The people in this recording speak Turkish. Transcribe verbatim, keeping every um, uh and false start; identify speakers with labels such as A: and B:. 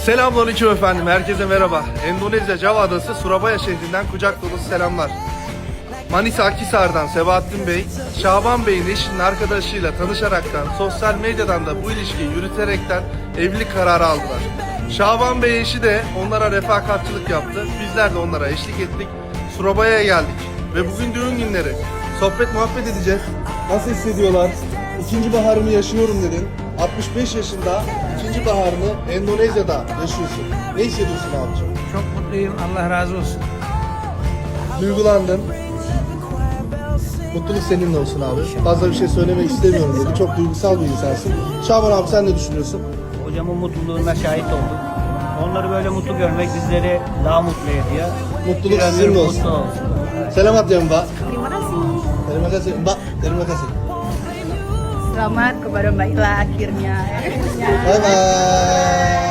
A: Selamünaleyküm efendim, herkese merhaba. Endonezya Java Adası Surabaya şehrinden kucak dolusu selamlar. Manisa Akhisar'dan Sebahattin Bey, Şaban Bey'in eşinin arkadaşıyla tanışaraktan, sosyal medyadan da bu ilişkiyi yürüterekten evlilik kararı aldılar. Şaban Bey eşi de onlara refakatçılık yaptı, bizler de onlara eşlik ettik. Surabaya'ya geldik ve bugün düğün günleri. Sohbet muhabbet edeceğiz. Nasıl hissediyorlar? İkinci baharımı yaşıyorum dedin. altmış beş yaşında ikinci baharını Endonezya'da yaşıyorsun. Ne hissediyorsun abicim?
B: Çok mutluyum. Allah razı olsun.
A: Duygulandım. Mutluluk seninle olsun abi. Fazla bir şey söylemek istemiyorum dedi. Çok duygusal bir insansın. Şaban abi sen ne düşünüyorsun?
B: Hocamın mutluluğuna şahit olduk. Onları böyle mutlu görmek bizleri daha mutlu ediyor.
A: Mutluluk
B: Bir ömür
A: sizinle olsun.
B: mutlu olsun.
A: Selamat ya Mbak.
C: Terima kasih.
A: Terima kasih Mbak. Terima kasih.
C: Selamat kepada Mbak Ila akhirnya.
A: Bye bye.